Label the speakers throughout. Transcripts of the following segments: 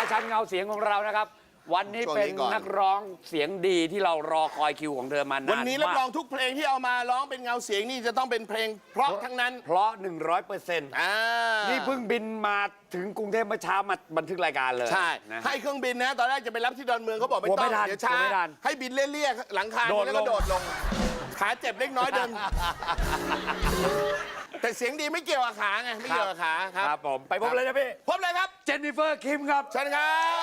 Speaker 1: ประชันเงาเสียงของเรานะครับวันนี้เป็นนักร้องเสียงดีที่เรารอคอยคิวของเธอมานานมาก
Speaker 2: วันนี้รับรองทุกเพลงที่เอามาร้องเป็นเงาเสียงนี่จะต้องเป็นเพลงเพราะทั้งนั้น
Speaker 1: เพราะ 100%นี่เพิ่งบินมาถึงกรุงเทพเมื่อเช้ามาบันทึกรายการเลย
Speaker 2: ใช่ให้เครื่องบินนะตอนแรกจะไปรับที่ดอนเมืองเขาบอกไม่ต้องเดี๋ยวช้าให้บินเลี่ยๆหลังคาแล้วก็โดดลงขาเจ็บเล็กน้อยเดินแต่เสียงดีไม่เกี่ยวกับขาไงไม่เกี่ยวกับขา
Speaker 1: ครับผมไปพบเลยนะพี่
Speaker 2: พบเลยครับ
Speaker 1: เจนนิเฟอร์คิมครับ
Speaker 2: เชิญครับ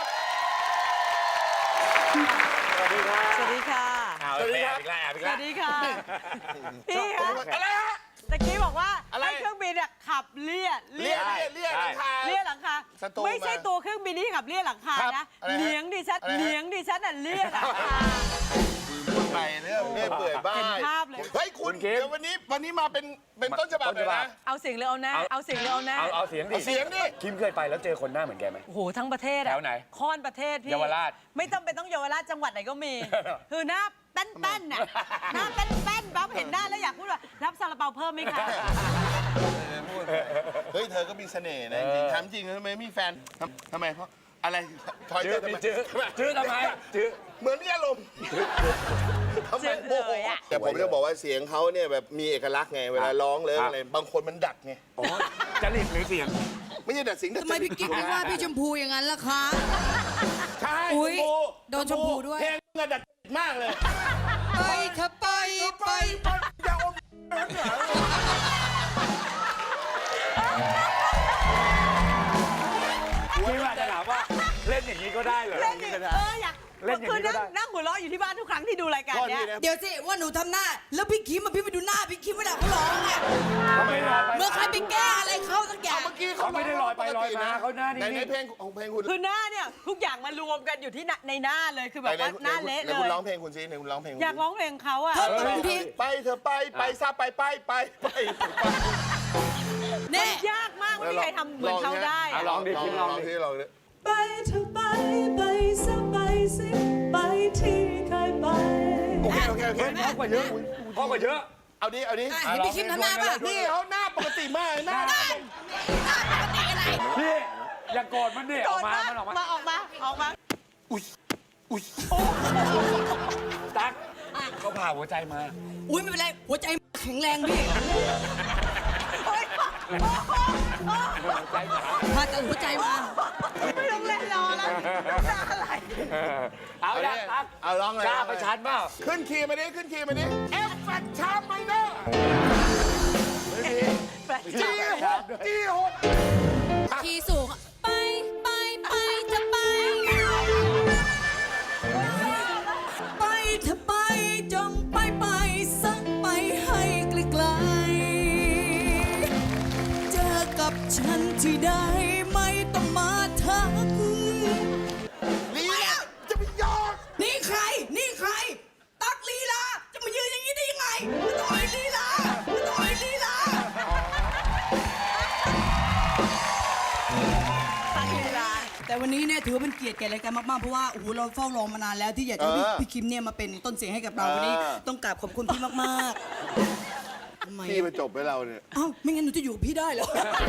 Speaker 1: สวัสดีครับ
Speaker 3: สวัสดีค่ะ
Speaker 2: สวัสดีครับ
Speaker 3: สวัสดีค่ะพี่คะ
Speaker 2: อะไรฮะ
Speaker 3: ตะกี้บอกว่าให้เครื่องบินขับเลี่ย
Speaker 2: หลังคา
Speaker 3: หลังคาไม่ใช่ตัวเครื่องบินที่ขับเลี่ยหลังคานะเลี้ยงดิฉันเลี่ยหลังคา
Speaker 2: ไปเรื่อยเปื่อยบ้า
Speaker 3: ภาพเลย
Speaker 2: เฮ้ยคุณเดี๋ยววันนี้มาเป็นต้นฉบับเลยนะ
Speaker 3: เอาเสียงหรือเอาหน้าเอาเสียงหรือเอาหน้า
Speaker 1: เอาเสียงดิคิมเคยไปแล้วเจอคนหน้าเหมือนแกไหม
Speaker 3: โอ้โหทั้งประเทศ
Speaker 1: แถวไหน
Speaker 3: ค่อนประเทศพี่
Speaker 1: เยาวราช
Speaker 3: ไม่ต้องเป็นต้องเยาวราชจังหวัดไหนก็มีคือหน้าแป้นน่ะหน้าแป้นปั๊บเห็นหน้าแล้วอยากพูดว่ารับซาลาเปาเพิ่มไหมคะ
Speaker 2: เฮ้ยเธอก็มีเสน่ห์นะจริงถามจริงทำไมมีแฟนทำไมเพราะอะไร
Speaker 1: ทอยจื้อทำไมจื้อ
Speaker 2: เหมือนมีอารมณ์ทำไมโอ้โหแต่ผมจะบอกว่าเสียงเขาเนี่ยแบบมีเอกลักษณ์ไงเวลาร้องเลยอะไรบางคนมันดัดไง
Speaker 1: จริตหรือเสียง
Speaker 2: ไม่ใช่ดัดเสียง
Speaker 4: ทำไมพี่กิ๊กไม่ว่าพี่ชมพูอย่างนั้นล่ะคะ
Speaker 2: ใช่
Speaker 4: โดนชมพูด้วย
Speaker 2: เพลงเงินดัดมากเลย
Speaker 4: ไปเธอไป
Speaker 2: อย่าอม
Speaker 1: คิมอาจจะถามว่าเล่นอย่างนี้ก็ได้เหรอ
Speaker 3: อยากเล่นอย่างนี้ก็ได้นั่งหัวเราะอยู่ที่บ้านทุกครั้งที่ดูรายการเนี้ย
Speaker 4: เดี๋ยวสิว่าหนูทำหน้าแล้วพี่คิมพี่ไปดูหน้าพี่คิมเวลาเขาร้องเนี่ยเมื่อใครไปแก้อะไรเขาสักอย่าง
Speaker 2: เมื่อกี้
Speaker 1: เขาไม่ได้ลอยไปลอยมาเขาหน้า
Speaker 2: ในเพลงของเพลงคุณ
Speaker 3: คือหน้าเนี่ยทุกอย่างมารวมกันอยู่ที่ในหน้าเลยคือแบบว่าหน้าเละเลย
Speaker 2: คุณร้องเพลงคุณซิคุณร้องเพลง
Speaker 3: อยากร้องเพลงเขาอะ
Speaker 2: ไปเธอไปซาไป
Speaker 3: เนี่ยยากมากไม่มีใครทำเหมือนเขาได้
Speaker 1: ลองดิคิมลองดิ
Speaker 5: ไปเธอไปซะไปสิไปที่เคยไป
Speaker 2: โอเค
Speaker 1: พ่อกว่าเยอะ
Speaker 2: เอาดิ
Speaker 4: พี่คิมทำหน้าป่ะ
Speaker 2: นี่เขาหน้าปกติมากหน้า
Speaker 4: ปกติอะไร
Speaker 1: พี่อย่าโกรธมันดิออกมา
Speaker 2: อุ้ย
Speaker 1: ตั๊กเขาผ่าหัวใจมา
Speaker 4: อุ้ยไม่เป็นไรหัวใจแข็งแรงพี่ผ่าตัดหัวใจมา
Speaker 3: ไม่ต้องเล่นรอแล้วจะอะไร
Speaker 1: เอาละตั๊ก
Speaker 2: เอาร้องเลย
Speaker 1: กล้าไปชันเปล่า
Speaker 2: ขึ้นคีย์มาดิเอฟแฟชาร์ปไมเนอร์จี้หก
Speaker 4: คีย์สูงไปจะไปเธอไปจงไปสักไปให้ไกลๆเจอกับฉันที่ได้ไม่ต้องมาทัก
Speaker 2: ลีลาจะไปยอด
Speaker 4: นี่ใครตักลีลาจะมายืนอย่างนี้ได้ยังไงไม่ต้องให้ลีลาแต่วันนี้เนี่ยถือว่าเป็นเกียรติแก่รายการมากๆเพราะว่าโอ้โหเราเฝ้ารอมานานแล้วที่อยากให้พี่คิมเนี่ยมาเป็นต้นเสียงให้กับเราวันนี้ต้องกราบขอบคุณพี่มาก
Speaker 2: ๆพี่มาจบให้เราเนี่ย
Speaker 4: อ้าวไม่งั้นหนูจะอยู่กับพี่ได้เหรอ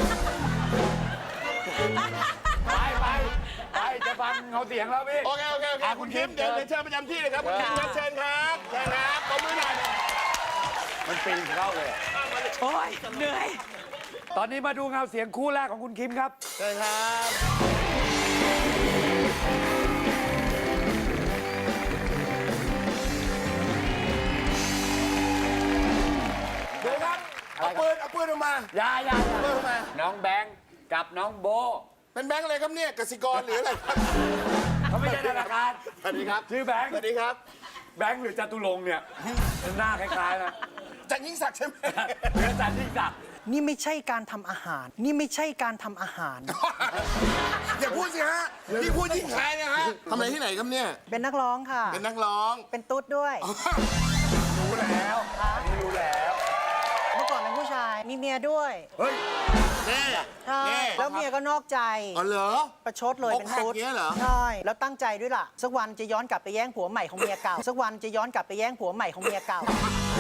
Speaker 1: ไปจะฟังเงาเสียงแล้วพี่
Speaker 2: โอเคคุณคิมเดี๋ยวเชิญประจำที่เลยครับคุณคิมเชิญครับขอบมือหน่อย
Speaker 1: มันปีนเข้าเลย
Speaker 3: โอ้ยเหนื่อย
Speaker 1: ตอนนี้มาดูเงาเสียงคู่แรกของคุณคิมครับ
Speaker 2: เชิญครับดูครับเอาปืนออกมา
Speaker 1: อย่าน้องแบงค์กับน้องโบ
Speaker 2: เป็นแบงค์อะไรครับเนี่ยกสิกรหรืออะไรครับ
Speaker 1: เขาไม่ใช่ธนาคาร
Speaker 2: สวัสดีครับ
Speaker 1: ชื่อแบงค์
Speaker 2: สวัสดีครับ
Speaker 1: แบงค์หรือจตุรงค์เนี่ยหน้าคล้ายๆนะ
Speaker 2: จันยิ่งศักดิ์ใช่ไหม
Speaker 1: หรือจันยิ่งศักดิ์
Speaker 6: นี่ไม่ใช่การทำอาหาร
Speaker 2: อย่าพูดสิฮะที่พูดยิ่งคล้ายนะฮะทำอะไรที่ไหนครับเนี่ย
Speaker 6: เป็นนักร้องค่ะ
Speaker 2: เป็นนักร้อง
Speaker 6: เป็นตุ๊ดด้วย
Speaker 1: รู้แล้ว
Speaker 6: เมื่อก่อนเป็นผู้ชายมีเมียด้วย
Speaker 2: เฮ้ย
Speaker 6: ใช่แล้วเมียก็นอกใจ
Speaker 2: อ๋อเหรอ
Speaker 6: ประชดเลยเป็นตุ๊ดใช่แล้วตั้งใจด้วยล่ะสักวันจะย้อนกลับไปแย่งผัวใหม่ของเมียเก่า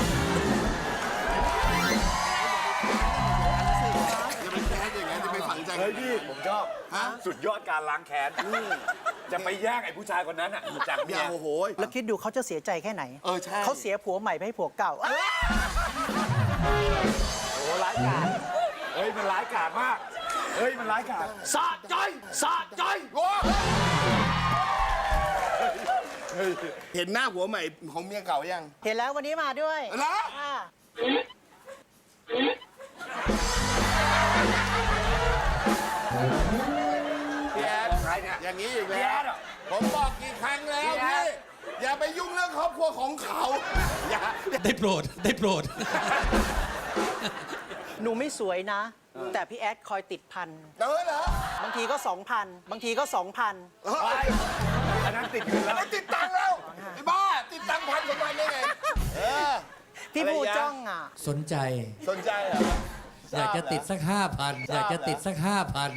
Speaker 2: อย่าไปแค้นอย่างนั้นจะไปฝังใจ
Speaker 1: เฮ้ยพี่ผมชอบสุดยอดการล้างแค้นจะไปแย่งไอ้ผู้ชายคนนั้นอ่ะจากเมีย
Speaker 2: โอ้โห
Speaker 6: แล้วคิดดูเขาจะเสียใจแค่ไหน
Speaker 2: ใช่
Speaker 6: เขาเสียผัวใหม่ไปให้ผัวเก่า
Speaker 1: โอ้ร้ายกาจเฮ้ยมันร้ายกาจมากเฮ้ยมันร้ายกาจสะใจสะใจ
Speaker 2: เห็นหน้าผัวใหม่ของเมียเก่ายัง
Speaker 6: เห็นแล้ววันนี้มาด้วย
Speaker 2: เหรอ
Speaker 6: อ่า
Speaker 2: พี่แอด
Speaker 1: ใครเนี่ย
Speaker 2: อย่างนี้อีก
Speaker 1: พี่
Speaker 2: แล้
Speaker 1: แอ
Speaker 2: ว
Speaker 1: ดเหรอ
Speaker 2: ผมบอกกี่ครั้งแล้ว
Speaker 1: พี่แอ
Speaker 2: พี่
Speaker 1: ด
Speaker 2: อย่าไปยุ่งเรื่องครอบครัวของเขาอย่า
Speaker 7: ได้โปรด ได้โปรด
Speaker 6: หนูไม่สวยนะ แต่พี่แอดคอยติดพัน
Speaker 2: เหรอบ
Speaker 6: างทีก็ 2,000 บางทีก็ 2,000
Speaker 1: ไปอันนั้นติดอยู่
Speaker 2: อั
Speaker 1: แล้
Speaker 2: น
Speaker 1: ว
Speaker 2: นั้นติดตังค์แล้วไอ้บ้าติดตังค์1,000 2,000ได้ไง
Speaker 6: พี่ผู้
Speaker 2: อะไรยะ
Speaker 6: จ้องอ่ะ
Speaker 7: สนใจ
Speaker 2: สนใจเหรอ
Speaker 7: อยากจะติดสัก 5,000 อยากจะติดสัก 5,000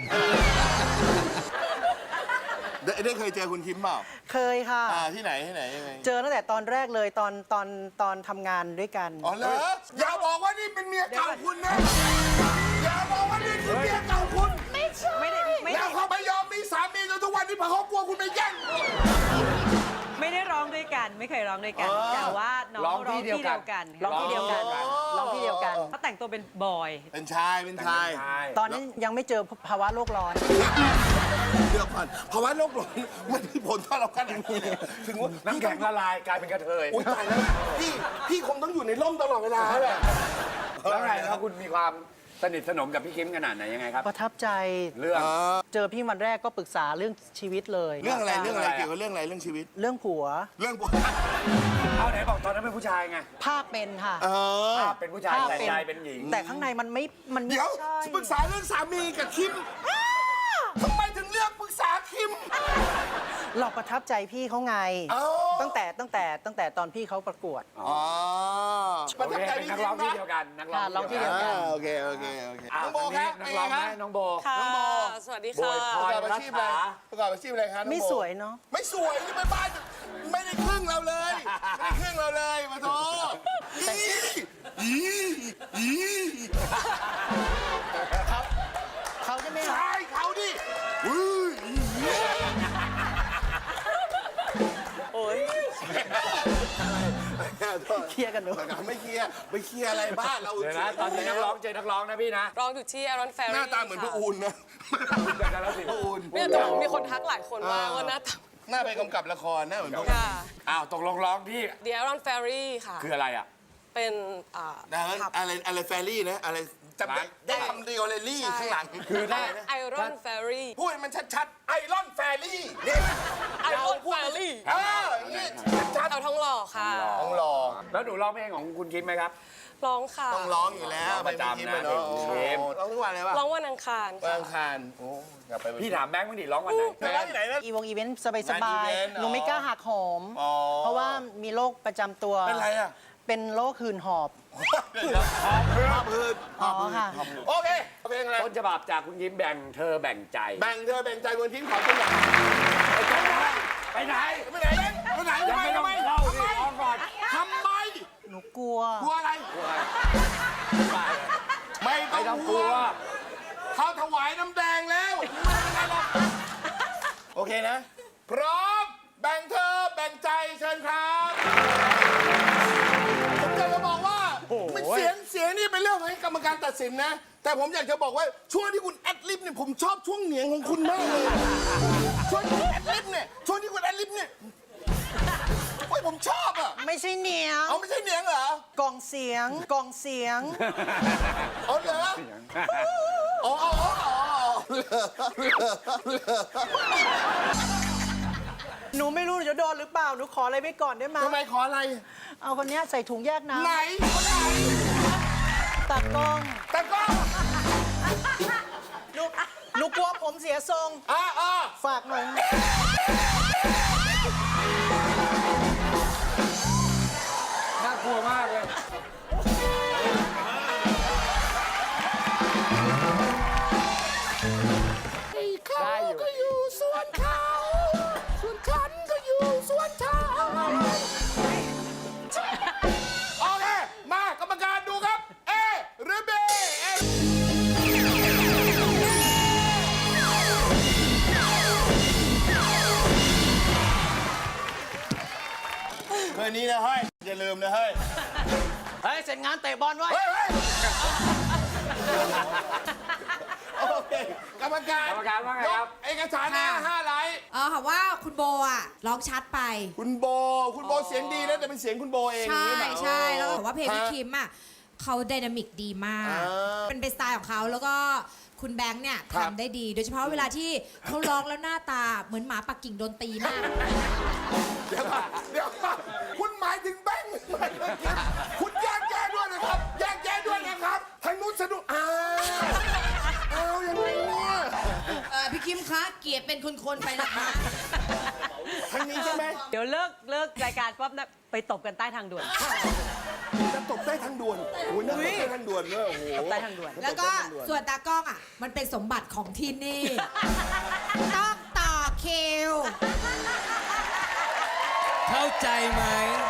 Speaker 2: ได้เคยเจอคุณคิมเปล่า
Speaker 6: เคยค่ะ
Speaker 2: ที่ไหนยังไง
Speaker 6: เจอตั้งแต่ตอนแรกเลยตอนทำงานด้วยกัน
Speaker 2: อ๋อเหรออย่าบอกว่านี่เป็นเมียเก่าคุณนะอย่าบอกว่านี่คือเมียเก่าคุณ
Speaker 3: ไม่ได้ไม่
Speaker 2: แล้ว
Speaker 3: ได้
Speaker 2: เขาไม่ยอมมีสามีจนทุกวันนี้เพราะเขากลัวคุณไปแย่ง
Speaker 3: ไม่ได้ร้องด้วยกัน ไม่เคยร้องด้วยกัน แต่ว่าน้อง
Speaker 1: ร้องที่
Speaker 3: ร้อง
Speaker 1: เดียว
Speaker 3: ที่
Speaker 1: กั
Speaker 3: เดี
Speaker 1: น
Speaker 3: ยวกัน
Speaker 6: ร้องที่เดียวกันร้องที่เดียวกัน
Speaker 3: เขาแต่งตัวเป็นบอย
Speaker 2: เป็นชายเป็นชาย
Speaker 6: ตอนนั้นยังไม่เจอภาวะโลกร้อน
Speaker 2: เดี๋ยวก่อนเพราะว่าโลกร้อนมันมีผลต่อเราขนาดนี้เลยถึงว่า
Speaker 1: น้ำแข็งละลายกลายเป็นกระเทย
Speaker 2: โอ๊ยตายแล้วพี่คงต้องอยู่ในร่มตลอดเวลาแหละ
Speaker 1: แล้วไงครับคุณมีความสนิทสนมกับพี่คิมขนาดไหนยังไงครับ
Speaker 6: ประทับใจ
Speaker 1: เรื่อง
Speaker 6: เจอพี่วันแรกก็ปรึกษาเรื่องชีวิตเลย
Speaker 2: เรื่องอะไรเกี่ยวกับเรื่องอะไรเรื่องชีวิต
Speaker 6: เรื่องผัว
Speaker 2: เรื่อง
Speaker 1: เอาไหนบอกตอนนั้นเป็นผู้ชายไง
Speaker 6: ภาพเป็นค่ะ
Speaker 1: ภาพเป็นผู้ชายแต่ใจเป็นหญิง
Speaker 6: แต่ข้างในมันไม่
Speaker 2: เดี๋ยว
Speaker 6: ใช่
Speaker 2: ปรึกษาเรื่องสามีกับคิมทำไมถึงเลือกปรึกษาคิม
Speaker 6: เราประทับใจพี่เขาไง
Speaker 2: อ๋อ
Speaker 6: ตั้งแต่ตอนพี่เขาประกวด
Speaker 2: อ๋อ
Speaker 1: โอเคเป็นนักร้องที่เดียวกันนักร้อง
Speaker 6: ร้องที่เดียวกัน
Speaker 2: โอเค
Speaker 1: อ่ะ
Speaker 2: น้องโบ
Speaker 1: ทาง
Speaker 2: ค
Speaker 1: นี้
Speaker 2: รับ
Speaker 1: นักร้องไหมน้องโบ
Speaker 5: ค่ะ
Speaker 2: น้องโบ
Speaker 5: สวัสดี
Speaker 1: โบ
Speaker 5: ค่ะ
Speaker 1: ยพ
Speaker 2: ประกอบอาชีพอะไรประกอบอาชีพอะไรครับน้องโบ
Speaker 6: ไม่สวยเนาะ
Speaker 2: ไม่สวยนี่ไปบ้านไม่ได้ครึ่งเราเลยไม่ได้ครึ่งเราเลยมาโทอี
Speaker 6: เขาจะไม่
Speaker 2: ใช่เขาดิอุ้ย
Speaker 6: เคลียร์กันหนู
Speaker 2: ไม่เคลียร์ไปเคลียร์อะไรบ้านเรา
Speaker 1: เดี๋ยวนะตอนนี้นักร้องเจอนักร้องนะพี่นะ
Speaker 5: ร้องอยู่ที่ Aaron
Speaker 2: ห
Speaker 5: Ferry
Speaker 2: น้าตาเหมือนพระอูนนะ
Speaker 1: เดี๋ยวกันแล้วสิ
Speaker 2: พระอูน
Speaker 5: เนี่ยแต่มีคนทักหลายคนว่าหน้าตา
Speaker 2: หน้าไปกำกับละครหน้าเหมือนพระอูน
Speaker 5: ค่ะ
Speaker 1: อ้าวตกลงร้องที่
Speaker 5: The Aaron Ferry ค่ะ
Speaker 1: คืออะไรอ่ะ
Speaker 5: เป็นผับ
Speaker 2: อะไรแฟรี่นะอะไรจำได้คำเดียวเลยลี่ข้างหลัง
Speaker 1: คือได้
Speaker 5: Iron Ferry
Speaker 2: พูดให้มันชัดๆไอรอนแฟรี่นี่
Speaker 5: Iron Ferry
Speaker 2: นี่ชัด
Speaker 5: เอาท้องหล่อค่ะ
Speaker 2: ๆต้องรอ
Speaker 1: แล้วหนูร้องเพลงของคุณคิมไหมครับ
Speaker 5: ร้องค่ะ
Speaker 2: ต้องร้องอยู่แล้ว
Speaker 1: ร้องประจำนะ
Speaker 2: เนาะ
Speaker 1: เพลง
Speaker 2: ร้องทุกวันเลยป่ะ
Speaker 5: ร้องวันอังคาร
Speaker 2: วัน
Speaker 5: ค่ะ
Speaker 2: อังคารโอ้กลับไป
Speaker 1: พี่ถามแบงค์บ้างดิร้องวันไหน
Speaker 2: ร้องที่ไหนนะ
Speaker 6: อีเวนต์สบาย
Speaker 2: งานอีเวนต์
Speaker 6: ๆหนูไม่กล้าหักหอม
Speaker 2: อ๋อ
Speaker 6: เพราะว่ามีโรคประจำตัว
Speaker 2: เป็นไรอ่ะ
Speaker 6: เป็นโรคหืนหอบ
Speaker 2: ภาพพืช
Speaker 6: อ๋อค่ะ
Speaker 2: โอเคเพลงอะไร
Speaker 1: ต้นฉบับจากคุณคิมแบ่งเธอแบ่งใจ
Speaker 2: แบ่งเธอแบ่งใจคนทิ้งขอตัวอย่าง
Speaker 1: ไปไหน
Speaker 2: ไปไหนไปไหน
Speaker 1: ยังไม่ต้องเข้าสิร้องก่อน
Speaker 2: ทำไม
Speaker 6: หนูกลัว
Speaker 2: กลัวอะไรไม่
Speaker 1: ไม่ต้องกลัว
Speaker 2: เขาถวายน้ำแดงแล้วโอเคนะ พร้อมแบ่งเธอแบ่งใจเชิญครับผมอยากจะบอกว่าเสียงนี่เป็นเรื่องของกรรมการตัดสินนะ แต่ผมอยากจะบอกว่าช่วงที่คุณแอดลิฟเนี่ยผมชอบช่วงเหนียงของคุณมากเลยช่วงที่คุณแอดลิฟเนี่ยช่วงที่คุณแอดลิฟเนี่ยโอ้ยผมชอบอ่ะ
Speaker 6: ไม่ใช่เหนียง
Speaker 2: เอาไม่ใช่เหนียงเหรอก
Speaker 6: ล่องเสียงกล่องเสียง
Speaker 2: เอาเหรออ๋อ
Speaker 6: หนูไม่รู้หนูจะโดนหรือเปล่า หนูขออะไรไว้ก่อนได้ไหม
Speaker 2: ทำไมขออะไร
Speaker 6: เอาคนเนี้ยใส่ถุงแยกน้
Speaker 2: ไหนคนไหน
Speaker 6: ำตากล้อง
Speaker 2: ตะกร้อ
Speaker 6: หนูกลัวผมเสียทรง ฝากหน่อย
Speaker 1: น่ากลัวมากเลย
Speaker 2: เขาก็อยู่สวนเขาส่วนฉันก็อยู่สวนฉันโอเค มากรรมการดูครับ A หรือ B นี้นะเฮ้ยอย่าลืมนะเฮ้ย
Speaker 6: เฮ้ย เสร็จงานเตะบอลไว้
Speaker 2: เฮ้ยโอเคกรรมการ
Speaker 1: กรรมการว่าไงครับ
Speaker 2: ยกเอกสารนะ5 ไลน์
Speaker 8: ค่ะว่าคุณโบอ่ะร้องชัดไป
Speaker 2: คุณโบเสียงดีนะแต่เป็นเสียงคุณโบเอง
Speaker 8: ใช่
Speaker 2: นี่หรอ
Speaker 8: ใช่แล้วก็บอกว่าเพลงพี่
Speaker 2: ฮะ
Speaker 8: คิมอ่ะเขาไดนามิกดีมาก
Speaker 2: อ่า
Speaker 8: เป็นสไตล์ของเขาแล้วก็คุณแบงค์เนี่ย
Speaker 2: ครับ
Speaker 8: ทำได้ดี โดยเฉพาะเวลาที่เขาร้องแล้วหน้าตาเหมือนหมาปักกิ่งโดนตีมาก
Speaker 2: เดี๋ยวก่อนคุณหมายถึงแบงค์คุณแยกแยะด้วยนะครับแยกแยะด้วยนะครับทางนู้นสนุกเอาอย่างไรเนี่ย
Speaker 8: พี่คิมคะเกียรติเป็นคนๆไปนะคะ
Speaker 2: ทางนี้ใช่ไหม
Speaker 3: เดี๋ยวเลิกรายการปั๊บนะไปตบกันใต้ทางด่วน
Speaker 2: จะตบใต้ทางด่วนโอ้ยน่าตบใต้ทางด่วนเลยโอ้โห
Speaker 3: ตบใต้ทางด่วน
Speaker 8: แล้วก็ส่วนตากล้องอ่ะมันเป็นสมบัติของที่นี่ ต้องต่อคิว
Speaker 7: เข้าใจไหม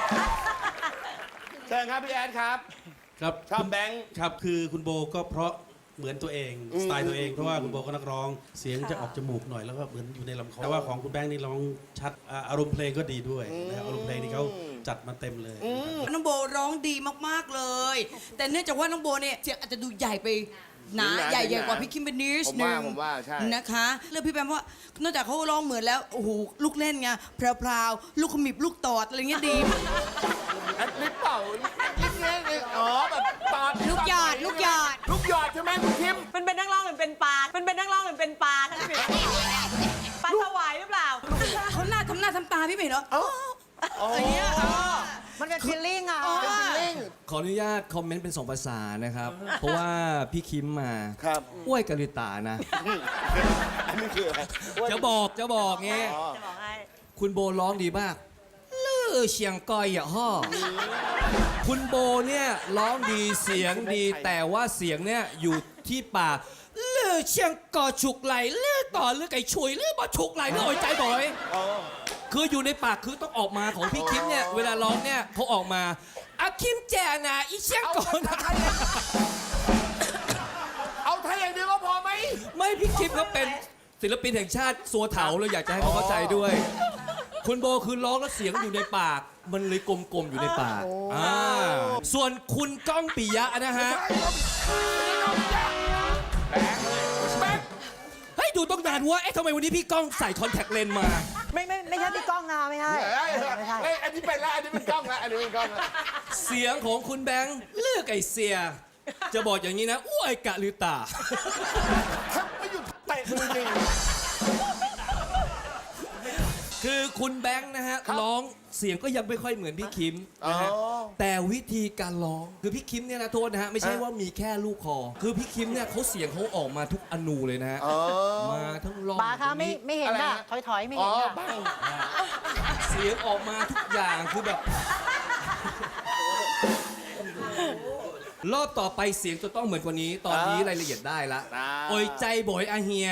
Speaker 2: เชิญครับพี่แอนครับ
Speaker 9: ครับ
Speaker 2: ชอบแบงค์
Speaker 9: ครับคือคุณโบก็เพราะเหมือนตัวเองสไตล์ตัวเองเพราะว่าคุณโบก็นักร้องเสียงจะออกจมูกหน่อยแล้วก็เหมือนอยู่ในลำคอแต่ว่าของคุณแบงค์นี่ร้องชัดอารมณ์เพลงก็ดีด้วยนะครับอารมณ์เพลงนี่เขาจัดมาเต็มเลยนะครับ
Speaker 4: น้องโบร้องดีมากๆเลย แต่เนื่องจากว่าน้องโบเนี่ยเสียงอาจจะดูใหญ่ไปนะ
Speaker 2: หนา
Speaker 4: ใหญ่
Speaker 2: หนา
Speaker 4: กว่าพี่คิมเป็นนิด
Speaker 2: ผม
Speaker 4: นึ
Speaker 2: ว่าง ผมว่าใช่
Speaker 4: นะคะเรื่องพี่แบมเพราะว่านอกจากเขาร้องเหมือนแล้วโอ้โหลูกเล่นไงแพรวๆลูกขมิบลูกตอดอะไรเงี้ยดี
Speaker 2: แอดลิปเปล่าแอดลิปเนี่ยอ๋อแบบตอน
Speaker 8: ลูกหยอดลูกหยอด
Speaker 2: ลูกหยอดใช่ไหมคุณคิม
Speaker 3: มันเป็นนักร้องหรือเป็นปลา มันเป็นนักร้องหรือเป็นปลาท่านพี่ปลาสวายหรือเปล่า
Speaker 4: เขาหน้าทำตาพี่ไม่เห็นเหรอ
Speaker 2: อ๋อ
Speaker 4: อะไรเงี้ย
Speaker 6: มันเป็นฟีลลิ่งอ่ะ
Speaker 7: ขออนุญาตคอมเมนต์เป็น2 ภาษานะครับ เพราะว่าพี่คิมมา
Speaker 2: ครับ
Speaker 7: อ้วยกะลิตานะ
Speaker 2: อันนี้คืออะไร
Speaker 7: จะบอกงี้
Speaker 3: จะบอกให้
Speaker 7: คุณโบร้องดีมากลื่อเสียงกอยอย่าห่อคุณโบเนี่ยร้องดีเสียงดี แต่ว่าเสียงเนี่ยอยู่ที่ปากลื่อเสียงกอฉุกไหลลื่อต่อลื่อไก่ฉุยลื่อบ่ฉุกไหลลื่อโอยใจบ่อย คืออยู่ในปากคือต้องออกมาของพี่คิมเนี่ยเวลาร้องเนี่ยเขาออกมาอาคิมแจนะอีเชียงก่อนนะ
Speaker 2: เอาไทยอย่างเดียวก็พอไหม
Speaker 7: ไม่พี่คิมเขาเป็นศิลปินแห่งชาติสัวเถาเราอยากจะให้เขาเข้าใจด้วย คุณโบคือร้องแล้วเสียงอยู่ในปาก มันเลยกลมๆอยู่ในปากส่วนคุณก้องปิยะนะฮะเฮ้ยดูต้องนานว่าเอ๊ะทำไมวันนี้พี่ก้องใส่คอนแทคเลนส์มา
Speaker 6: ไม่ใช่พี่ก้องนาไม่ใช่ไม่ใช่
Speaker 2: เฮ้ยอันนี้เป็นละอันนี้เป็นกล้องละอันนี้เป็นกล้องละ
Speaker 7: เสียงของคุณแบงค์เลือกไอเสีย จะบอกอย่างนี้นะอ้วยกะลือตา
Speaker 2: ถ้าไม่หยุดเตะมือจริง
Speaker 7: คือคุณแบงค์นะฮะร้องเสียงก็ยังไม่ค่อยเหมือนพี่คิมนะฮะ
Speaker 2: อ๋อ
Speaker 7: แต่วิธีการร้องคือพี่คิมเนี่ยนะโทษนะฮะไม่ใช่ว่ามีแค่ลูกคอ คือพี่คิมเนี่ยเขาเสียงเขาออกมาทุกอนูเลยนะฮะมาทั้งร้อง
Speaker 6: ปาคะไม่
Speaker 7: ทั้งนี้
Speaker 6: ไม่เห็น
Speaker 2: อะไร
Speaker 6: อ่ะ
Speaker 2: ฮะ
Speaker 6: ถอยๆไม่
Speaker 2: อ๋
Speaker 6: เห็
Speaker 2: อน
Speaker 6: อ่ะ
Speaker 2: บ้าง
Speaker 7: เสียงออกมาทุกอย่างคือแบบ รอบต่อไปเสียงจะต้องเหมือนกว่านี้ ตอนนี้รายละเอียดได้ละโอยใจบ่อยอาเฮีย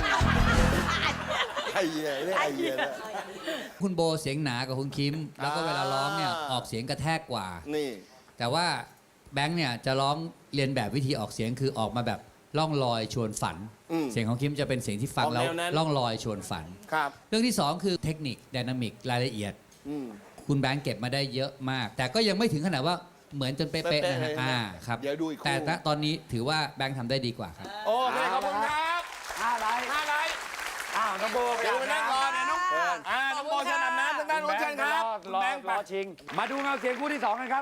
Speaker 2: ไอ้เหี้ยเนี่ยไอ้เหี้ยเนี่ย
Speaker 10: คุณโบเสียงหนากว่าคุณคิม แล้วก็เวลาร้องเนี่ยออกเสียงกระแทกกว่า
Speaker 2: นี่
Speaker 10: แต่ว่าแบงค์เนี่ยจะร้องเรียนแบบวิธีออกเสียงคือออกมาแบบล่องลอยชวนฝัน เสียงของคิมจะเป็นเสียงที่ฟังแล้ว
Speaker 2: ออกแนวนั้น
Speaker 10: ล่องลอยชวนฝัน
Speaker 2: ครับ
Speaker 10: เรื่องที่ 2 คือเทคนิคไดนามิกรายละเอียด
Speaker 2: อืม
Speaker 10: คุณแบงค์เก็บมาได้เยอะมาก แต่ก็ยังไม่ถึงขนาดว่าเหมือนจนเป๊ะๆนะฮะ
Speaker 2: เป๊ะๆเลยนะ
Speaker 10: ครับ
Speaker 2: เดี๋ยวดูอีกคู่
Speaker 10: แต่ณตอนนี้ถือว่าแบงค์ทำได้ดีกว่าครับ
Speaker 2: โอเคขอบคุณครับ
Speaker 1: 5 ไลน์
Speaker 2: 5 ไลน์
Speaker 1: อ้าวน้องโบ
Speaker 2: เดี๋ยวไปนั่งก่อนนะน้อง
Speaker 1: เชิญ
Speaker 2: น้องโบเชิญอาบน้ำทางด้านโน้นเชิญครับ
Speaker 1: รอ
Speaker 2: แบงค์ไป
Speaker 1: ชิง มาดูเงาเสียงคู่ที่ 2 กันครับ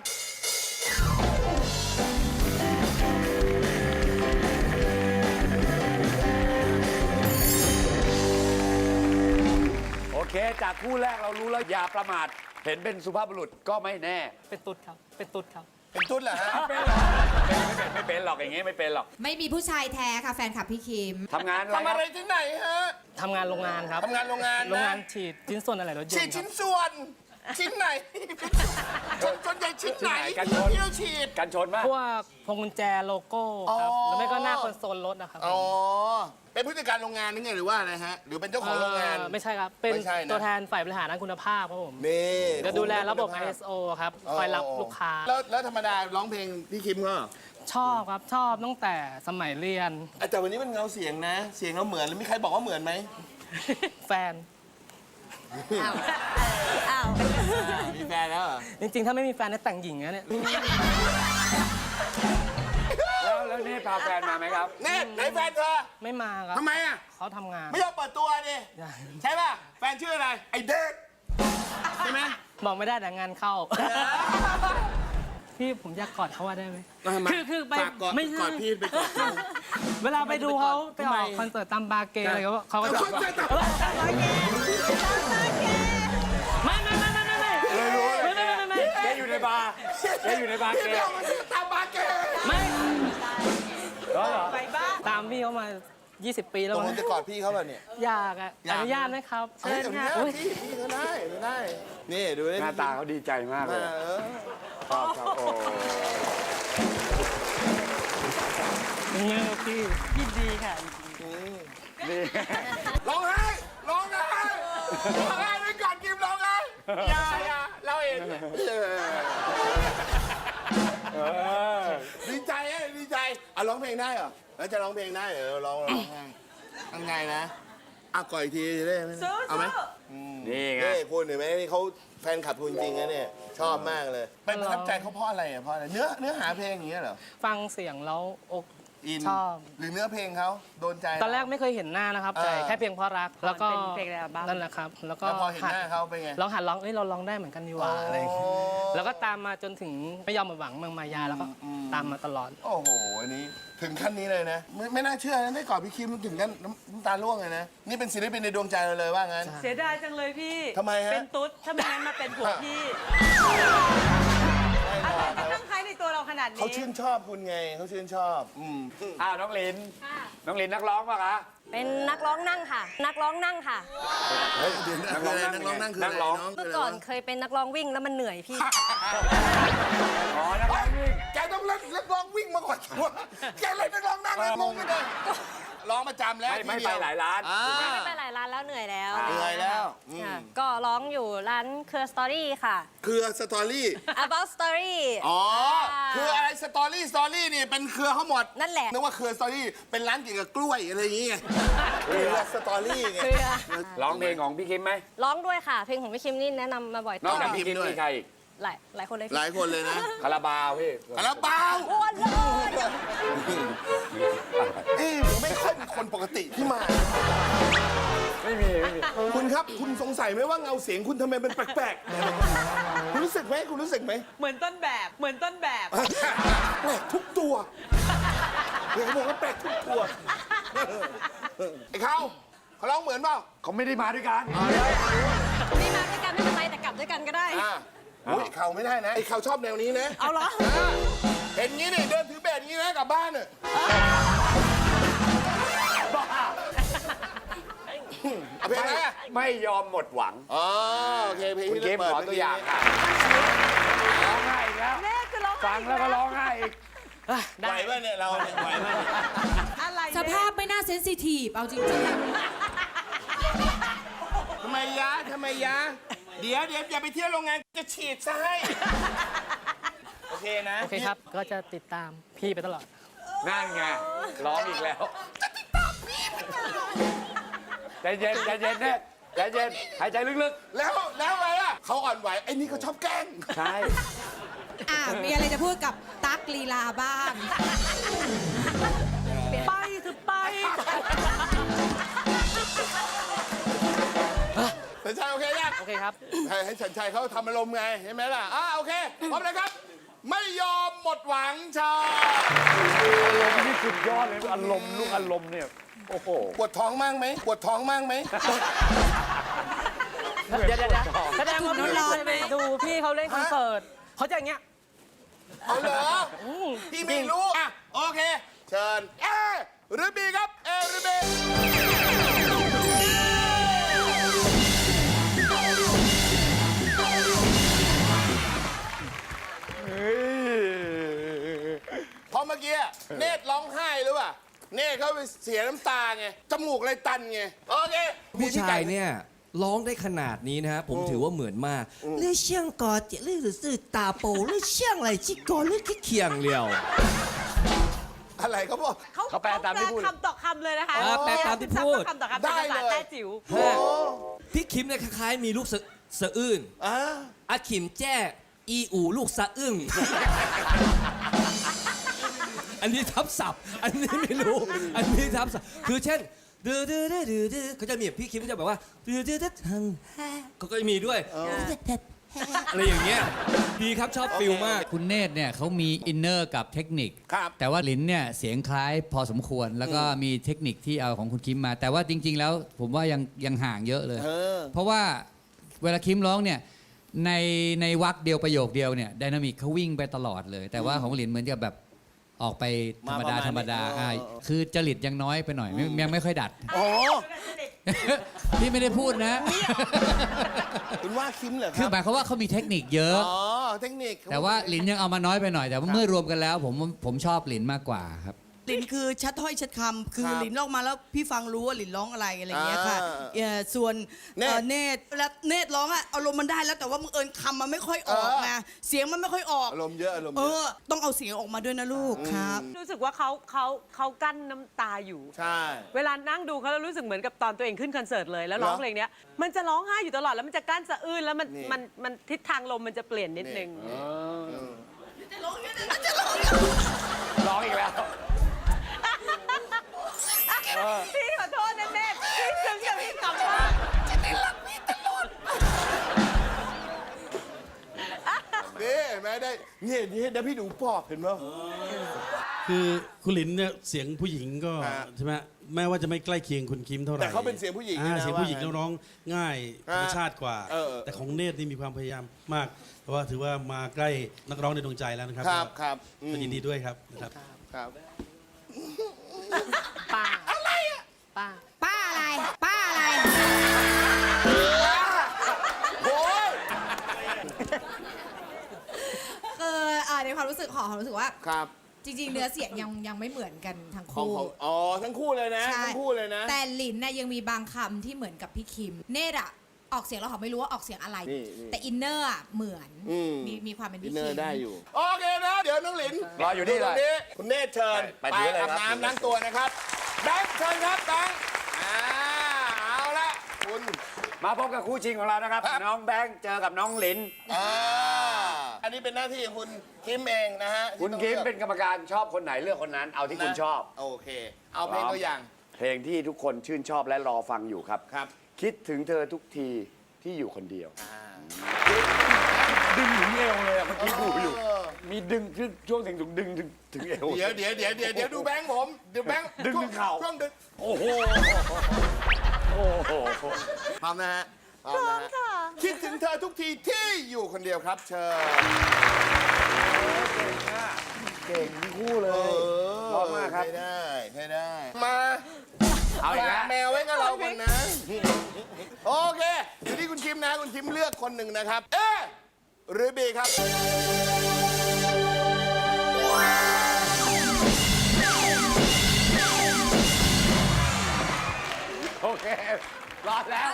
Speaker 1: โอเค จากคู่แรกเรารู้แล้วอย่าประมาท เห็นเป็นสุภาพบุรุษก็ไม่แน่
Speaker 3: เป็นตุ๊ดครับ เป็นตุ๊ดครับ
Speaker 2: เป็นตุ๊ดเหรอฮะ
Speaker 1: ไม่เป็นหรอกอย่างงี้ไม่เป็นหรอก
Speaker 8: ไม่มีผู้ชายแท้ค่ะแฟนคลับพี่คิม
Speaker 1: ทำงานอะไร
Speaker 2: ทำ
Speaker 1: ค
Speaker 2: อะ
Speaker 1: รับ
Speaker 2: ไรที่ไหนฮะ
Speaker 11: ทำงานโรงงานครับ
Speaker 2: ทำงานโรงงาน
Speaker 11: โรงงา
Speaker 2: นะ
Speaker 11: นฉีดชิ้นส่วนอะไรรถยน
Speaker 2: ฉีด
Speaker 11: ต์ครั
Speaker 2: ชิ้
Speaker 11: บ
Speaker 2: นส่วน ชิ้นไหนส่วนใหญ่ชิ้นไหน
Speaker 1: กันชน
Speaker 2: ที่เราฉีด
Speaker 1: กันชนมาก
Speaker 11: พวกพวงกุญแจโลโก้ครับ
Speaker 2: อ๋อ
Speaker 11: หรือไม่ก็หน้าคอนโซลรถนะครับ
Speaker 2: อ๋อ เป็นผู้จัดการโรงงานนี่ไงหรือว่าอะไรฮะ หรือเป็นเจ้าของโรงงาน
Speaker 11: ไม่ใช่ครับ เป็น
Speaker 2: ไม่ใช่นะ
Speaker 11: ตัวแทนฝ่ายบริหารด้านคุณภาพครับผม
Speaker 2: นี่
Speaker 11: จะดูแลระบบ
Speaker 2: คุณภาพ
Speaker 11: ISO ครับ คอยรับลูกค้า
Speaker 2: แล้วธรรมดาร้องเพลงพี่คิมก็
Speaker 11: ชอบครับ ชอบตั้งแต่สมัยเรียน
Speaker 2: แต่วันนี้มันเงาเสียงนะ เสียงเราเหมือนแล้วมีใครบอกว่าเหมือนไหม
Speaker 11: แฟน
Speaker 3: อ้าว
Speaker 2: มีแฟนแล้วเหรอ
Speaker 11: จริงๆ ถ้าไม่มีแฟนเนี่ยแต่งหญิงนะเนี่ย
Speaker 1: แล้วนี่พาแฟนมาไหมครับ
Speaker 2: เนตไหนแฟนเธอ
Speaker 11: ไม่มาครับ
Speaker 2: ทำไมอ่ะ
Speaker 11: เขาทำงาน
Speaker 2: ไม่ยอมเปิดตัวดิใช่ป่ะแฟนชื่ออะไร ไอเด็กใช่ไหม
Speaker 11: บอกไม่ได้แต่งานเข้า พี่ผมอยากกอดเขาว่าได้ไหม คือไป
Speaker 2: ฝากกอด
Speaker 11: ไม่ใช่
Speaker 2: กอดพี่ไปกอดเขา
Speaker 11: เวลาไปดูเขาไปออก
Speaker 2: ทำไม
Speaker 11: คอนเสิร์ตตามบาร์เกย์อะไรเขาก็จะ
Speaker 2: คนจะตัด
Speaker 11: ไม่
Speaker 1: แกอยู่ในบาร์แกอยู่ในบาร์
Speaker 2: พี่
Speaker 1: เก
Speaker 2: ไม่
Speaker 1: ย์
Speaker 2: เอามาซื้อตามบาร์เกย์
Speaker 11: ไม่
Speaker 1: เหรอ
Speaker 3: ไปบ้าน
Speaker 11: ตามพี่เขามา 20 ปีแล้
Speaker 2: ต
Speaker 11: ว
Speaker 2: กล
Speaker 11: มั้
Speaker 2: ง
Speaker 11: ง
Speaker 2: จะกอดพี่เขาป่ะเนี่ย
Speaker 11: อยากอ่ะอนุญาตไหมครับ
Speaker 2: เฮ้ยเดี๋ยวนี้
Speaker 11: อุ๊ย
Speaker 2: พี่ก็ได้ก็ได้ นี่ดูดิ
Speaker 1: หน้าตาเขาดีใจมากเลย ชอบโอ้
Speaker 11: อย่างเงี้ยพี่
Speaker 3: ยินดีค่ะ
Speaker 1: นี่
Speaker 2: ร้องไห้ร้องไห้ร้องไห้ด้วยก่อนกิมร้องไห้อย่าเราเองดีใจดีใจอ่ะร้องเพลงได้เหรอแล้วจะร้องเพลงได้เหรอร้องยังไงนะอ่ะก่อนอีกทีจะได้ไหมเอาไหม
Speaker 1: นี่ไง
Speaker 2: นี่คุณเห็นไหมนี่เขาแฟนคลับคุณจริงนะเนี่ยชอบมากเลยไปประทับใจเขาเพราะอะไรอ่ะเพราะอะไรเนื้อหาเพลงอย่างเงี้ยเหรอ
Speaker 11: ฟังเสียงแล้วอก
Speaker 2: อิน
Speaker 11: ชอบ
Speaker 2: หรือเนื้อเพลงเขาโดนใจ
Speaker 11: ตอนแรกไม่เคยเห็นหน้านะครับ แต่แค่เพียงเพราะรัก แล้วก็
Speaker 3: เป็นเพลงในอัลบั้ม
Speaker 11: นั่นแหละครับ แล้วก็
Speaker 2: แล้วพอเห็นหน้าเขาเป็นไง
Speaker 11: ลองหัดร้องเราร้องได้เหมือนกันดีหว่าอะไรอย่างเงี้ยแล้วก็ตามมาจนถึงไม่ยอมมาหวังเมืองมายาแล้วก็ตามมาตลอด
Speaker 2: โอ้โหอันนี้ถึงขั้นนี้เลยนะไม่น่าเชื่อนะได้กอดพี่คิมถึงกันน้ำตาร่วงเลยนะนี่เป็นศิลปินในดวงใจเราเลยว่างั้น
Speaker 3: เสียดายจังเลยพี่
Speaker 2: ทำไมฮะ
Speaker 3: เป็นตุ๊ด ถ้าไม่งั้นมาเป็นผัวพี่ อะไรมันต้องใช้ในตัวเราขนาดนี้
Speaker 2: เขาชื่นชอบคุณไงเขาชื่นชอบ
Speaker 1: น้องลินน้องลินนักร้องป่ะคะ
Speaker 12: เป็นนักร้องนั่งค่ะ นักร้องนั่งค่ะ
Speaker 2: เฮ้ยเดี๋ยวนักร้องนั่งคืออะไรน้อง
Speaker 12: เมื่อก่อนเคยเป็นนักร้องวิ่งแล้วมันเหนื่อยพี่
Speaker 1: อ๋อนักร้องวิ่ง
Speaker 2: แกต้องเล่นนักร้องวิ่งมาก่อนแกเล่นนักร้องนั่งเลยงงกันเลยร้องประจำแล้ว
Speaker 1: ไม่ไปหลายร้าน
Speaker 12: ไม่ไปหลายร้านแล้วเหนื่อยแล้ว
Speaker 2: เหนื่อยแล้ว
Speaker 12: ค่ะก็ร้องอยู่ร้านเครือสตอรี่ค่ะ
Speaker 2: เครือสตอรี่
Speaker 12: About Story
Speaker 2: อ๋อคืออะไรสตอรี่นี่เป็นเครือเขาหมด
Speaker 12: นั่นแหละ
Speaker 2: นึกว่าเครือสตอรี่เป็นร้านเกี่ยวกับกล้วยอะไรอย่างเงี้ยเครือสตอรี่ไง
Speaker 12: เครือ
Speaker 1: ร้องเพลงของพี่คิมไหม
Speaker 12: ร้องด้วยค่ะ เพลงของพี่คิมนี่แนะนำมาบ่อย
Speaker 1: นอกจาก
Speaker 12: ต่
Speaker 1: พี่คิมมีใครอีก
Speaker 12: หลายคนเลย
Speaker 2: หลายคนเลยนะ
Speaker 1: คาราบาวพี่
Speaker 2: คาราบาว
Speaker 12: อ้วนเลย
Speaker 2: ผมไม่ค่อยเป็นคนปกติที่มา
Speaker 1: ไม่มี
Speaker 2: คุณครับคุณสงสัยไหมว่าเงาเสียงคุณทำไมเป็นแปลกๆคุณรู้สึกไหมคุณรู้สึกไหม
Speaker 3: เหมือนต้นแบบ เหมือนต้นแบบ
Speaker 2: แปลกทุกตัวเดี๋ยวเขาบอกว่าแปลกทุกตัวไอ้เขาร้องเหมือนเปล่า
Speaker 1: เขาไม่ได้มาด้วยกัน
Speaker 12: ไม่มาด้วยกันไม่เป็นไรแต่กลับด้วยกันก็ได้
Speaker 2: โอ้ยเขาไม่ได้นะไอ้เขาชอบแนวนี้นะ
Speaker 3: เอาเหรอ
Speaker 2: เห็นงี้นี่เดินถือเบสอย่างนี้นะกลับบ้านเนี่ยเอาเพลงอะไรอ่ะ
Speaker 1: ไม่ยอมหมดหวัง
Speaker 2: อ๋อโอเคเพลง
Speaker 1: คุณ
Speaker 2: ที่
Speaker 1: คิม
Speaker 2: เปิด
Speaker 1: ขอตัวอย่างค่ะร้องไห้อีกแล้ว
Speaker 3: แม่คือร้องไห้
Speaker 1: ฟังแล้วก็ร้องไห้อีก
Speaker 2: ไหวป่ะเนี่ยเราเนี่ยไหวป่ะเนี่ย
Speaker 3: อะไร
Speaker 8: สภาพไม่น่าเซนซิทีฟเอาจริง
Speaker 2: ทำไมยะทำไมยะเดี๋ยวอย่าไปเที่ยวโรงงานจะฉีดซะให้โอเคนะ
Speaker 11: โอเคครับ ก็จะติดตามพี่ไปตลอด
Speaker 1: นั่นไงร้องอีกแล้วใจเย็นใจเย็นเนี่ยใจเย็นหายใจลึก
Speaker 2: แล้วอะไรล่ะเขาอ่อนไหวไอ้นี่เขาชอบแกล้ง
Speaker 1: ๆ ใช่
Speaker 8: ๆมีอะไรจะพูดกับตั๊กลีลาบ้าง
Speaker 3: ไปคือไป
Speaker 2: สัญชัยโอเคยัง
Speaker 11: โอเคครับ
Speaker 2: ให้สัญชัยเขาทำอารมณ์ไงใช่ไหมล่ะโอเคพร้อมเลยครับ ไม่ยอมหมดหวังชา
Speaker 1: อารมณ์นี่สุดยอดเลยอารมณ์ลูกอารมณ์เนี่ยโอ้โห
Speaker 2: ปวดท้องมั่งไหมปวดท้องมั่งไหม
Speaker 11: เดี๋ยวแสดงว่าพี่เคยไปดูพี่เขาเล่นคอนเสิร์ตเขาจะอย่างเงี้ย
Speaker 2: เอาเหรอพี่ไม่รู้โอเค เชิญเอหรือบีครับเอหรือบีพอเมื่อกี้เนตรร้องไห้หรือเปล่าเนตรเขาไปเสียน้ำตาไงจมูกเลยตันไงโอเค
Speaker 7: ผู้ชายเนี่ยร้องได้ขนาดนี้นะฮะผมถือว่าเหมือนมากเลือเชียงกอเจเลือสื่อตาโปเลือเชียงอะไรชิกอเลือเคียงเลียว
Speaker 2: อะไรเขาบอก
Speaker 1: เขาแปลตามที่พูด
Speaker 3: คำต่อคำเลยนะคะ
Speaker 7: แปลตามที่พูด
Speaker 3: คำต่อคำเป็นภาษาแต้จิ๋ว
Speaker 2: โอ้
Speaker 7: พี่คิมเนี่ยคล้ายๆมีลูกสะอื้นอาคิมแจ้อีอูลูกสะอึ้ง อันนี้ทับศัพท์ อันนี้ไม่รู้ อันนี้ทับศัพท์ คือเช่นดื้อดื้อดื้อดื้อดื้อเขาจะมีพี่คิมจะแบบว่าดื้อดื้อดื้อทังเขาก็จะมีด้วยอะไรอย่างเงี้ยดีครับชอบฟิลมาก
Speaker 10: คุณเนตรเนี่ยเขามีอินเนอร์กับเทคนิค แต่ว่าหลินเนี่ยเสียงคล้ายพอสมควร แล้วก็มีเทคนิคที่เอาของคุณคิมมา แต่ว่าจริง ๆ แล้วผมว่ายังห่างเยอะเลย เพราะว่าเวลาคิมร้องเนี่ยในวรรคเดียวประโยคเดียวเนี่ยไดนามิกเขาวิ่งไปตลอดเลย แต่ว่าของหลินเหมือนกับแบบออกไปธรรมดาธรรมดาคือจริตยังน้อยไปหน่อยยังไม่ค่อยดัด พี่ไม่ได้พูดนะ
Speaker 2: คุณว่าคิมเหรอค
Speaker 10: คือ
Speaker 2: รับ
Speaker 10: หมายความว่าเขามีเทคนิคเยอะ
Speaker 2: เทคนิค
Speaker 10: แต่ว่าหลินยังเอามาน้อยไปหน่อย แต่ว่าเมื่อรวมกันแล้วผมชอบหลินมากกว่าครับ
Speaker 4: หลินคือชัดถ้อยชัดคำคือหลินร้องมาแล้วพี่ฟังรู้ว่าหลินร้องอะไรอะไรอย่างเงี้ยค่ะส่วนเนตรและเนตรร้องอะอารมณ์มันได้แล้วแต่ว่ามึงเอิญคำมันไม่ค่อยออกไงเสียงมันไม่ค่อยออก
Speaker 2: อารมณ์เยอะอารมณ์เยอะ
Speaker 4: ต้องเอาเสียงออกมาด้วยนะลูกครับ
Speaker 3: รู้สึกว่าเขากั้นน้ำตาอยู่
Speaker 2: ใช่
Speaker 3: เวลานั่งดูเขาแล้วรู้สึกเหมือนกับตอนตัวเองขึ้นคอนเสิร์ตเลยแล้วร้องเพลงเนี้ยมันจะร้องไห้อยู่ตลอดแล้วมันจะกั้นสะอื้นแล้วมันทิศทางลมมันจะเปลี่ยนนิดนึง
Speaker 1: ร้องอีกแล้ว
Speaker 3: พี่ขอโทษนะเนตรพี่ซึ้งกับพี่กลับมาจะได้รักพี่ตลอด
Speaker 2: นี่เห็นไหมได้เนี่ยได้พี่ดูปอบเห็นไหม
Speaker 9: คือคุณหลินเนี่ยเสียงผู้หญิงก็ใช่ไหมแม้ว่าจะไม่ใกล้เคียงคุณคิมเท่าไหร่
Speaker 2: แต่เขาเป็นเสียงผู้หญิงนะ
Speaker 9: เสียงผู้หญิงแล้วร้องง่ายธรรมชาติกว่า
Speaker 2: เออ
Speaker 9: แต่ของเนตรนี่มีความพยายามมาก เพราะว่าถือว่ามาใกล้นักร้องในดวงใจแล้วนะครับ
Speaker 2: ครับ
Speaker 9: ก็ยินดีด้วยครับนะครับ
Speaker 2: ครับ
Speaker 11: ป้าอะไรอ่ะป้า
Speaker 8: ป้าอะไร ป้าอะไร
Speaker 2: โอ้ย
Speaker 8: คือในความรู้สึกของรู้สึกว่า
Speaker 2: ครับ
Speaker 8: จริง ๆ เนื้อเสียงยังไม่เหมือนกันทั้ง
Speaker 2: ของ
Speaker 8: คู่
Speaker 2: ทั้งคู่เลยนะ
Speaker 8: ใช่
Speaker 2: ทั้งคู่เลยนะ
Speaker 8: แต่หลินน่ะยังมีบางคำที่เหมือนกับพี่คิม เนตรอะออกเสียงเราเขาไม่รู้ว่าออกเสียงอะไร
Speaker 2: นี่
Speaker 8: แต่อินเนอร์อะเหมือนมีความเป็น
Speaker 2: อิ
Speaker 8: พี่
Speaker 2: นเนอ
Speaker 8: คิม
Speaker 2: ร์ได้อยู่ โอเคนะ เดี๋ยวน้องหลิน
Speaker 1: รออยู่นี่
Speaker 2: ตรงนี้คุณเนธเชิญ
Speaker 1: ไปถือเลย
Speaker 2: อาบ
Speaker 1: ครับ
Speaker 2: น้ำล้างตัวนะครับแบงค์เชิญครับแบงค์เอาละคุณ
Speaker 1: มาพบกับคู่ชิงของเรานะครับ น้องแบงค์เจอกับน้องหลิน
Speaker 2: อันนี้เป็นหน้าที่ของคุณคิมเองนะฮะ
Speaker 1: คุณคิมเป็นกรรมการชอบคนไหนเลือกคนนั้น เอาที่คุณชอบ
Speaker 2: โอเค เอาเพลงตัวอย่าง
Speaker 1: เพลงที่ทุกคนชื่นชอบและรอฟังอยู่ครับ
Speaker 2: ครับ
Speaker 1: คิดถึงเธอทุกทีที่อยู่คนเดียว ดึงถึงเอวเลยอะเมื่อกี้ดูอยู่ มีดึงช่วงถึงดึงถึงเอว
Speaker 2: เดี๋ยวดูแบงค์ผมเดี๋ยวแบงค์
Speaker 1: ดึงถึงเข่า
Speaker 2: ช่วงดึง
Speaker 1: โอ้โห
Speaker 2: พร้อมนะฮะพร้อมค่ะคิดถึงเธอทุกทีที่อยู่คนเดียวครับ เชิญ
Speaker 1: เก่งทั้งคู่เลยพร้อมมากครับ
Speaker 2: ให้ได้ มา
Speaker 1: เอาอีกแล้ว
Speaker 2: แมวไว้กับเราคนนะ โอเค อยู่ที่คุณคิมนะ คุณคิมเลือกคนหนึ่งนะครับ เอหรือบีครับ
Speaker 1: โอเค รอดแล้ว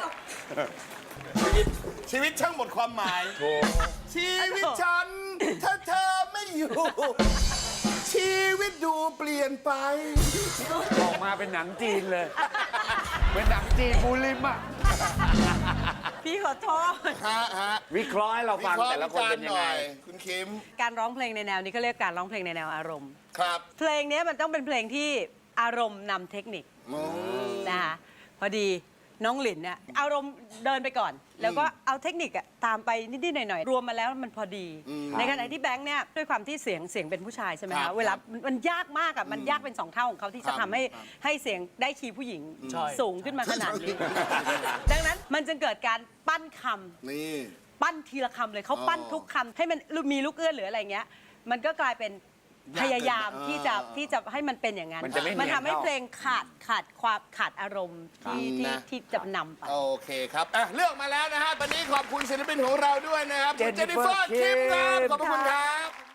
Speaker 2: ชีวิตช่างหมดความหมาย ชีวิตฉันถ้าเธอไม่อยู่ ชีวิตดูเปลี่ยนไป
Speaker 1: ออกมาเป็นหนังจีนเลย เป็นหนังจีนมูลิมอะ
Speaker 3: พี่ขอโทษ
Speaker 1: วิเคราะห์ให้เราฟังแต่ละคนเป็นยังไง
Speaker 2: คุณคิม
Speaker 3: การร้องเพลงในแนวนี้เขาเรียกการร้องเพลงในแนวอารมณ์
Speaker 2: ครับ
Speaker 3: เพลงนี้มันต้องเป็นเพลงที่อารมณ์นำเทคนิคนะคะพอดีน้องหลินเนี่ยอารมณ์เดินไปก่อน แล้วก็เอาเทคนิคอะตามไปนิดๆหน่อยๆรวมมาแล้วมันพอดี ในขณะที่แบงค์เนี่ยด้วยความที่เสียงเป็นผู้ชายใช่ไหม
Speaker 2: ครั
Speaker 3: คะ
Speaker 2: บ
Speaker 3: เวลามันยากมากอะมันยากเป็น2 เท่าของเขาที่จะทำให้เสียงได้คีย์ผู้หญิงสูงขึ้นมาขนาดนี้ ดังนั้นมันจึงเกิดการปั้นคำ
Speaker 2: นี่
Speaker 3: ปั้นทีละคำเลยเขาปั้นทุกคำให้มันมีลูกเอื้อนหรืออะไรเงี้ยมันก็กลายเป็นพยายามที่จะให้มันเป็นอย่างนั้น
Speaker 1: มันจะไม่เนียน
Speaker 3: ทำให้
Speaker 1: เท่า
Speaker 3: เพลงขาดอารมณ์ที่จะนำไป
Speaker 2: โอเคครับเลือกมาแล้วนะฮะ ตอนนี้ขอบคุณศิลปินของเราด้วยนะครับคุณเจนนิเฟอร์คิมครับ ขอบพระคุณครับ